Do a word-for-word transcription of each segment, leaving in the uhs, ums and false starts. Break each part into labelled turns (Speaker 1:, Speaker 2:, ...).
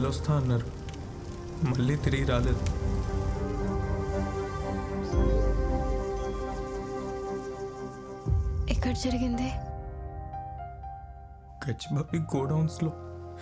Speaker 1: వస్తా అన్నారు, మళ్ళీ తిరిగి రాలేదు.
Speaker 2: ఎక్కడ జరిగింది?
Speaker 1: గచ్చిబాబి గోడౌన్స్లో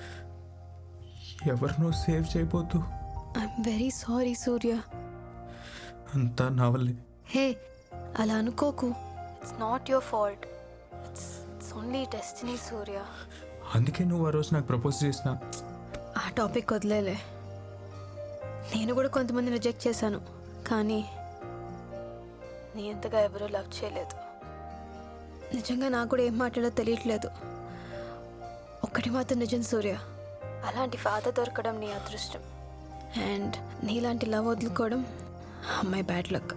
Speaker 1: ఎవరినో సేవ్ చేయబోతూ.
Speaker 2: I'm very sorry Surya.
Speaker 1: అంతా నా వల్లే.
Speaker 2: హే, అలా అనుకోకు. It's not your fault. It's it's only destiny Surya.
Speaker 1: అందుకే నువ్వు ఆ రోజు నాకు ప్రపోజ్ చేసిన.
Speaker 2: ఆ టాపిక్ వదిలేలే. నేను కూడా కొంతమంది రిజెక్ట్ చేశాను, కానీ నీ అంతగా ఎవరూ లవ్ చేయలేదు. నిజంగా నాకు కూడా ఏం మాట్లాడో తెలియట్లేదు. ఒక్కటి మాత్రం నిజం సూర్య, అలాంటి ఫాదర్ దొరకడం నీ అదృష్టం. అండ్ నీలాంటి లవ్ వదులుకోవడం అమ్మాయి బ్యాడ్ లక్.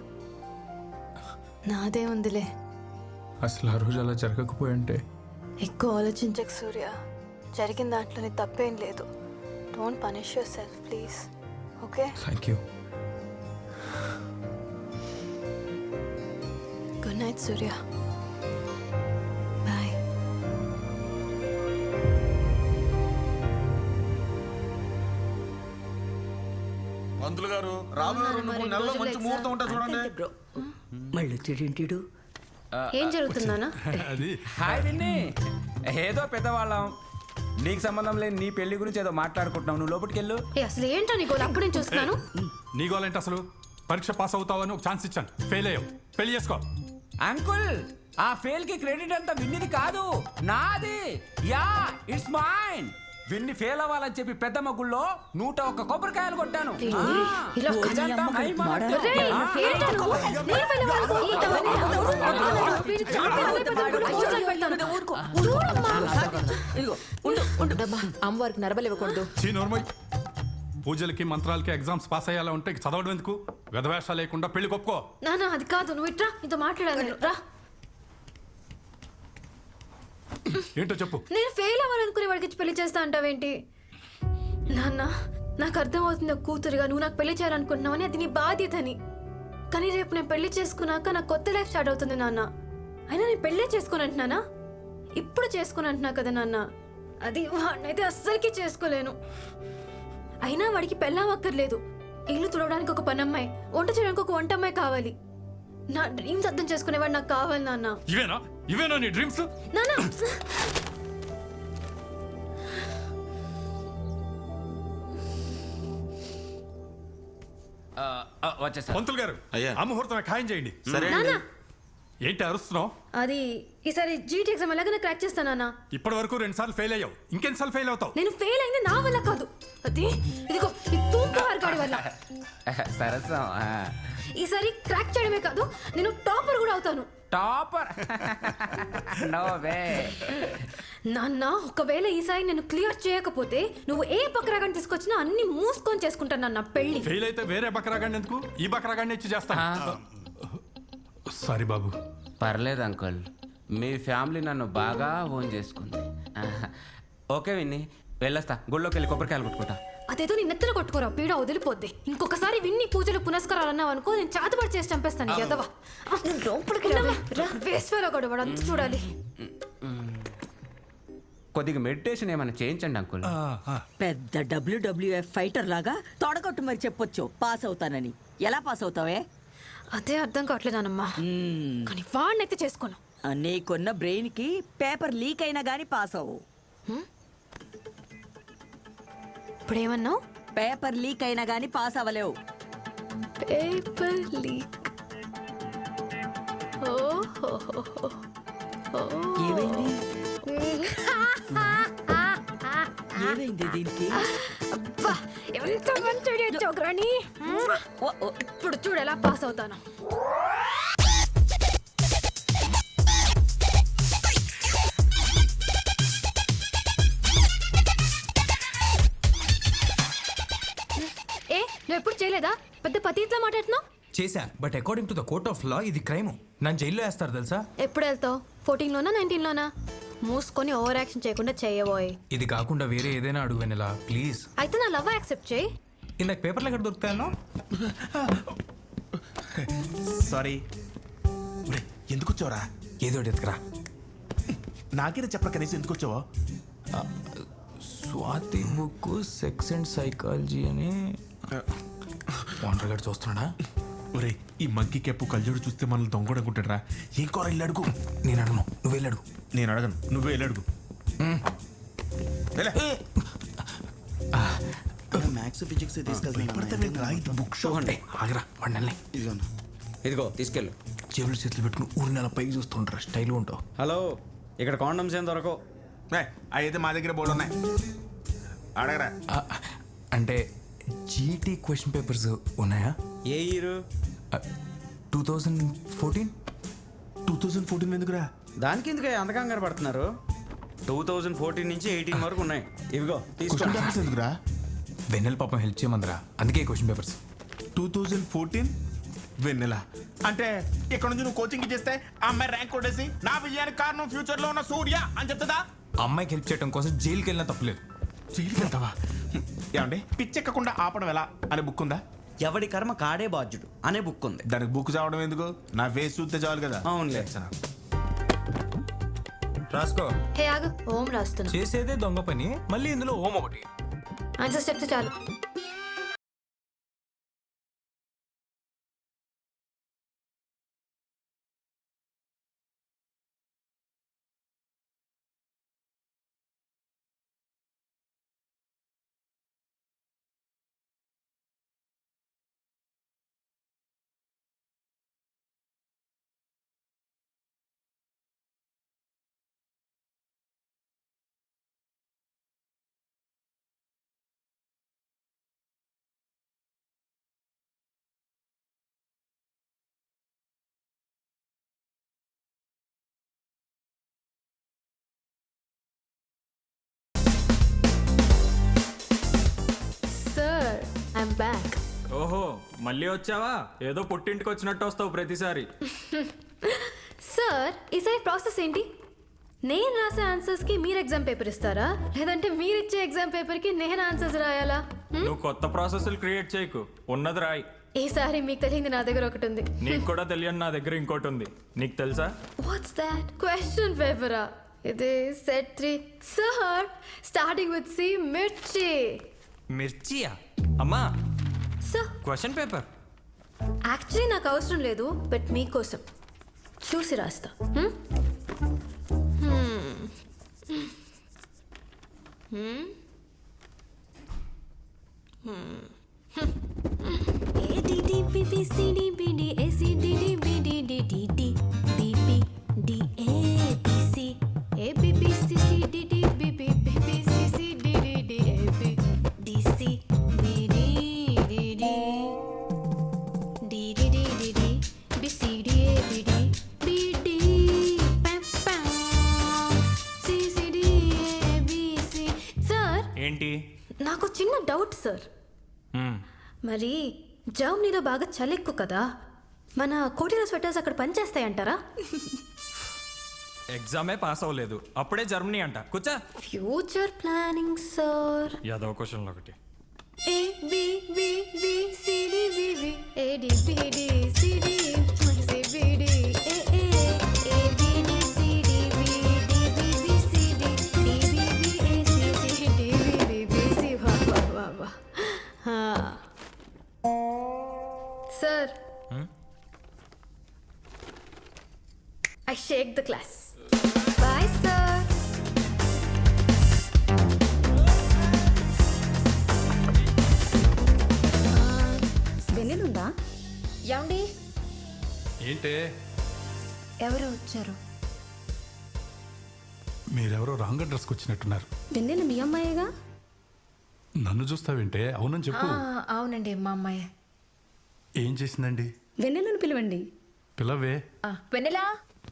Speaker 2: నాదే ఉందిలే.
Speaker 1: అసలు ఆ రోజు అలా జరగకపోయింటే.
Speaker 2: ఎక్కువ ఆలోచించకు సూర్య, జరిగిన దాంట్లో నీ తప్పేం లేదు. Don't punish yourself please. Okay?
Speaker 1: Thank you.
Speaker 2: Good night Surya. Bye.
Speaker 3: పంతులు గారు, రాబోయే రెండు మూడు నెలల్లో మంచి ముహూర్తం ఉంటుంది చూడండి.
Speaker 4: మళ్ళీ వచ్చేటేంటిడు?
Speaker 2: ఏం జరుగుతుందానా?
Speaker 5: అది హాయ్ విన్ని, ఏదో పెద్దవాళ్ళం, నీకు సంబంధం లేని నీ పెళ్లి గురించి ఏదో మాట్లాడుకుంటున్నావు. నువ్వు లోపలికి వెళ్ళు.
Speaker 2: ఏ, అసలు ఏంటో నీకు అప్పుడు నేను చూస్తున్నాను.
Speaker 6: నీ గోలేంటి? అసలు పరీక్ష పాస్ అవుతావని ఒక ఛాన్స్ ఇచ్చాను, ఫెయిల్ అయ్యావు, పెళ్లి చేసుకో.
Speaker 5: అంకుల్, ఆ ఫెయిల్ కి క్రెడిట్ అంతా విన్నిది కాదు, నాది. Yeah, it's mine. Vinni fail అవ్వాలని చెప్పి పెద్ద మగుల్లో నూట ఒక్క కొబ్బరికాయలు కొట్టాను.
Speaker 2: ఇలా
Speaker 5: ఇదంతా మై మాట.
Speaker 2: ఒరేయ్, ఏంటో నువ్వు? నేను వెళ్ళే వాళ్ళకు ఇంతమంది నవ్వుతున్నారు. వీడు చాలా పెద్ద కూర్చొని పెడతాను. చూడమ్మా.
Speaker 4: ఇదిగో ఉండు ఉండు. అమ్మవారికి నరబలు ఇవ్వకూడదు.
Speaker 6: చీ నోర్మోయ్. పూజలకి మంత్రాలకి ఎగ్జామ్స్ పాస్ అయ్యేలా ఉంటే చదవడం ఎందుకు? వెధవేష లేకుండా పెళ్లి కొప్పుకో.
Speaker 2: నాన్న అది కాదు, నువ్వు ఇట్రా, నీతో మాట్లాడాలి నేను. రా.
Speaker 6: ఏంటో చెప్పు.
Speaker 2: నేను ఫెయిల్ అవ్వాలనుకునే వాడికి పెళ్లి చేస్తా అంటావేంటి? నాన్న, నాకు అర్థం అవుతుంది ఒక కూతురుగా నువ్వు నాకు పెళ్లి చేయాలనుకుంటున్నావని, అది నీ బాధ్యతని. కానీ రేపు నేను పెళ్లి చేసుకున్నాక నాకు కొత్త లైఫ్ స్టార్ట్ అవుతుంది నాన్న. అయినా నేను పెళ్ళే చేసుకుని అంటున్నానా? ఇప్పుడు చేసుకుని అంటున్నా కదా నాన్న. అది వాడినైతే అస్సలకి చేసుకోలేను. అయినా వాడికి పెళ్ళావక్కర్లేదు. ఇల్లు తుడవడానికి ఒక పనమ్మాయి, వంట చేయడానికి ఒక వంట అమ్మాయి కావాలి. నా డ్రీమ్స్ అర్థం చేసుకునేవాడు నాకు కావాలి నాన్న.
Speaker 6: ఇవేనా ఇవేనా నీ డ్రీమ్స్?
Speaker 2: నాన్న
Speaker 5: వచ్చేసా.
Speaker 6: పంతులు గారు,
Speaker 3: అయ్యా.
Speaker 6: ఆ ముహూర్తం ఖాయం చేయండి.
Speaker 3: సరే
Speaker 2: నాన్న,
Speaker 6: ఏంటి అరుస్తున్నావు?
Speaker 2: అది ఈసారి జీటీ ఎగ్జామ్ ఎలాగైనా క్రాక్ చేస్తానా?
Speaker 6: ఇప్పటి వరకు రెండు సార్లు ఫెయిల్ అయ్యావు, ఇంకెన్నిసార్లు ఫెయిల్ అవుతావు?
Speaker 2: నేను ఫెయిల్ అయింది నా వల్ల కాదు, అది ఇదిగో ఈ తూపు వారి వల్ల.
Speaker 5: సరసం.
Speaker 2: ఈసారి క్రాక్ చేయడమే కాదు, నేను టాపర్ కూడా అవుతాను.
Speaker 5: టాపర్? No way.
Speaker 2: నాన్న, ఒకవేళ ఈసారి నేను క్లియర్ చేయకపోతే నువ్వు ఏ బక్రాగాన్ని తీసుకొచ్చినా అన్ని మూసుకొని చేసుకుంటాను నాన్న పెళ్లి.
Speaker 6: ఫెయిల్ అయితే వేరే బకరాగాన్ని ఎందుకు, ఈ బకరాగాన్ని ఇచ్చి చేస్తాను. సారీ బాబు.
Speaker 5: పర్లేదు అంకుల్, మీ ఫ్యామిలీ నన్ను బాగా ఓన్ చేసుకుంది. ఓకే విన్ని, వెళ్ళొస్తా. గుళ్ళోకి వెళ్ళి కొబ్బరికాయలు కొట్టుకుంటా.
Speaker 2: అదేదో నీ నెత్తలు కొట్టుకోరా, పీడ వదిలిపోద్ది. ఇంకొకసారి విన్ని పూజలు పునస్కారాలు అన్నావు అనుకో, నేను చాతపడి చేసి చంపేస్తాను. ఎదవా వేస్వేలో కూడా వాడు అంత చూడాలి.
Speaker 5: కొద్దిగా మెడిటేషన్ ఏమైనా చేయించండి అంకుల్.
Speaker 4: పెద్ద డబ్ల్యూడబ్ల్యూఎఫ్ ఫైటర్ లాగా తొడగొట్టు మరి చెప్పొచ్చు పాస్ అవుతానని. ఎలా పాస్ అవుతావే?
Speaker 2: అదే అర్థం కావట్లేదనమ్మా. కానీ వాడినైతే చేసుకోను.
Speaker 4: నీకున్న బ్రెయిన్ కి పేపర్ లీక్ అయినా గానీ పాస్ అవ్వు.
Speaker 2: ఇప్పుడు ఏమన్నావు?
Speaker 4: పేపర్ లీక్ అయినా గానీ పాస్ అవ్వలేవు.
Speaker 2: Paper leak.
Speaker 4: ఏమైంది ఏమైంది దీనికి?
Speaker 2: అబ్బా, ఎంత మంచి ఐడియా ఇచ్చావు గ్రాని. ఇప్పుడు చూడు ఎలా పాస్ అవుతాను. ఏ, నువ్వు ఎప్పుడు చేయలేదా? పెద్ద పతిట్లా మాట్లాడుతున్నావు.
Speaker 1: చేశా, but according to the court of law ఇది క్రైమ్. నన్ను జైల్లో వేస్తారు తెలుసా?
Speaker 2: ఎప్పుడు వెళ్తావు? ఫోర్టీన్ లోనా నైన్టీన్ లోనా? మూసుకొని ఓవర్ యాక్షన్ చేయకుండా చేయబోయ్.
Speaker 1: ఇది కాకుండా వేరే ఏదైనా అడుగు వెనలా ప్లీజ్.
Speaker 2: అయితే నా లవ్ యాక్సెప్ట్ చేయి.
Speaker 1: ఇందాక పేపర్లు ఎక్కడ దొరుకుతాయన్నో?
Speaker 7: సారీ. ఎందుకు వచ్చావరా?
Speaker 1: ఏదో ఎత్తుకురా.
Speaker 7: నాకేనా చెప్పరా కనీసం ఎందుకు వచ్చావో?
Speaker 1: Swathi book sex and psychology అని ఓనర్ గారు చూస్తున్నాడా?
Speaker 7: ఒరే ఈ మంకీ కెప్పు కళ్ళజోడు చూస్తే మనల్ని దొంగడనుకుంటాడు రా. ఏం కూర ఇల్లు అడుగు.
Speaker 1: నేను అడగను, నువ్వు వెళ్ళి అడుగు.
Speaker 7: నేను అడగను, నువ్వే వెళ్ళి అడుగు.
Speaker 8: మ్యాథ్స్ ఫిజిక్స్ తీసుకెళ్తాను.
Speaker 7: బుక్ షో
Speaker 1: చూడండి ఆగరా వండల్ని.
Speaker 8: ఇదిగోనా
Speaker 5: ఇదిగో తీసుకెళ్ళు.
Speaker 1: చెవులు చేతులు పెట్టుకుని ఊరి నెల పైకి చూస్తుంటారా, స్టైల్గా ఉంటావు.
Speaker 9: హలో, ఇక్కడ కాండమ్స్ ఏం దొరకవు.
Speaker 7: అయితే మా దగ్గర బోర్డు ఉన్నాయి, అడగరా.
Speaker 1: ఆ, అంటే జీటీ క్వశ్చన్ పేపర్స్ ఉన్నాయా?
Speaker 9: ఏ year?
Speaker 1: Two thousand fourteen
Speaker 7: two thousand fourteen ఎందుకురా?
Speaker 9: దానికి ఎందుకు అంత కంగారు పడుతున్నారు? టూ థౌజండ్ ఫోర్టీన్ నుంచి ఎయిటీన్ వరకు ఉన్నాయి. ఇవిగో
Speaker 7: క్వశ్చన్
Speaker 9: తీసుకోండి.
Speaker 7: పేపర్స్ ఎందుకురా?
Speaker 1: వెన్నెల పాపం హెల్ప్ చేయమందరా, అందుకే question papers.
Speaker 7: Two thousand fourteen Vennela అంటే ఇక్కడ నుంచి నువ్వు కోచింగ్ ఇచ్చేస్తే ఆ అమ్మాయి ర్యాంక్ కొట్టేసి నా విజయానికి కారణం ఫ్యూచర్ లో ఉన్న సూర్య అని చెప్తుందా?
Speaker 1: అమ్మాయికి హెల్ప్ చేయడం కోసం జైలుకి వెళ్ళినా తప్పలేదు.
Speaker 7: జైలుకి వెళ్తావా? ఏమండి పిచ్చెక్కకుండా ఆపడం ఎలా అనే బుక్ ఉందా?
Speaker 9: ఎవడి కర్మ కాడే బాధ్యుడు అనే బుక్ ఉంది.
Speaker 7: దానికి బుక్ చదవడం ఎందుకు? నా ఫేస్ చూస్తే చాలు కదా.
Speaker 9: అవునులే.
Speaker 1: రాసుకో.
Speaker 2: హే ఆగు, ఓం రాస్తున్నా.
Speaker 1: చేసేదే దొంగ పని, మళ్ళీ ఇందులో ఓం ఒకటి.
Speaker 2: ఆన్సర్స్ చెప్తే చాలు. Sir, I'm back.
Speaker 10: ఓహో, మళ్ళీ వచ్చావా? ఏదో పుట్టింటికి వచ్చినట్టు వస్తావు ప్రతిసారి.
Speaker 2: సార్, ఈసారి ప్రాసెస్ ఏంటి? నేను రాసే ఆన్సర్స్ కి మీరు ఎగ్జామ్ పేపర్ ఇస్తారా, లేదంటే మీరు ఇచ్చే ఎగ్జామ్ పేపర్ కి నేను ఆన్సర్స్ రాయాలా?
Speaker 10: నువ్వు కొత్త ప్రాసెస్లు క్రియేట్ చేయకు, ఉన్నది రాయి.
Speaker 2: ఈసారి మీకు తెలియంది నా దగ్గర ఒకటి ఉంది.
Speaker 10: నీకు కూడా తెలియని నా దగ్గర ఇంకోటి ఉంది. నీకు తెలుసా?
Speaker 2: What's that? క్వశ్చన్ పేపరా? ఇది set three sir, starting with C, మిర్చి.
Speaker 1: మిర్చియా? అమ్మా,
Speaker 2: సార్
Speaker 1: క్వశ్చన్ పేపర్
Speaker 2: యాక్చువల్లీ నాకు అవసరం లేదు, బట్ మీకోసం చూసి రాస్తా. హ్మ్? హ్మ్. హ్మ్. హ్మ్. A D D B B C D B D A C D D B D D D D B B D A B C A B B C C D D B B B B C C D D D A B D C B D D D D D D D D B C D A B D B D pam pam C C D A B C. Sir,
Speaker 10: ఏంటి?
Speaker 2: నాకు చిన్న doubt sir. మరి జర్మనీలో బాగా చలి ఎక్కువ కదా, మన కోటిలో స్వెటర్స్ అక్కడ పనిచేస్తాయంటారా?
Speaker 10: ఎగ్జామే పాస్ అవ్వలేదు, అప్పుడే జర్మనీ అంట. కూర్చో.
Speaker 2: Future planning sir.
Speaker 10: యాదవ క్వశ్చన్ ఒకటి.
Speaker 2: A B B B C D B B A D B D C D C B D A A A B D C D B D B B C D D B B A C C D B B B C. వా వా వా వా. హా sir, I shake the class. Bye sir.
Speaker 11: వెన్నెలుందా?
Speaker 2: ఏమండి,
Speaker 6: ఏంటే
Speaker 2: ఎవరు వచ్చారు?
Speaker 6: మీరెవరో రాంగ్ అడ్రస్కి వచ్చినట్టున్నారు.
Speaker 11: వెన్నెల మీ అమ్మాయేగా?
Speaker 6: నన్ను చూస్తావేంటే? అవునని చెప్పు.
Speaker 2: అవునండి, మా అమ్మాయి.
Speaker 6: ఏం చేసిందండి?
Speaker 11: వెన్నెలను పిలవండి.
Speaker 6: పిల్లవే.
Speaker 2: వెన్నెలా,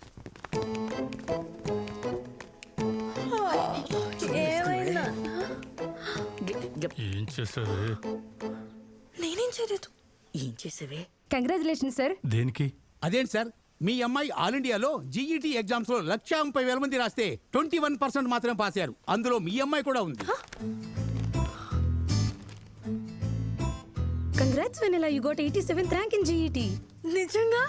Speaker 6: ఏం చేసావే?
Speaker 2: నేనేం చేయలేదు.
Speaker 4: ఏం చేసావే?
Speaker 11: Congratulation sir.
Speaker 6: దేనికి?
Speaker 12: అదేంటి సార్, మీ అమ్మాయి ఆల్ ఇండియాలో జీఈటీ ఎగ్జామ్స్ లో లక్ష ముప్పై వేల మంది రాస్తే ట్వంటీ వన్ పర్సెంట్ మాత్రమే పాస్ అయ్యారు. అందులో మీ అమ్మాయి కూడా ఉంది.
Speaker 11: Congrats Vennela, you got eighty seventh rank in GET.
Speaker 2: నిజంగా?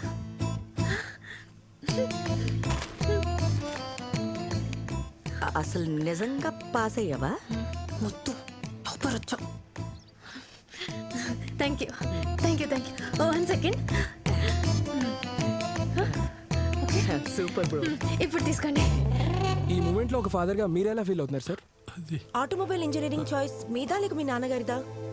Speaker 4: అసలు నిజంగా పాస్ అయ్యావా?
Speaker 2: మొత్తం టాపర్ వచ్చావు. Thank you thank you thank you. ఓ వన్ సెకండ్.
Speaker 13: Super bro.
Speaker 2: ఇప్పుడు తీసుకోండి.
Speaker 13: ఈ మూమెంట్ లో ఒక ఫాదర్ గా మీరు ఎలా ఫీల్ అవుతున్నారు సార్?
Speaker 14: ఆటోమొబైల్ ఇంజనీరింగ్ చాయిస్ మీదా లేక మీ నాన్నగారిదా?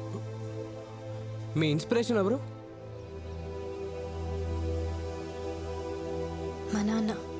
Speaker 13: మీ ఇన్స్పిరేషన్ ఎవరు?
Speaker 2: మా నాన్న.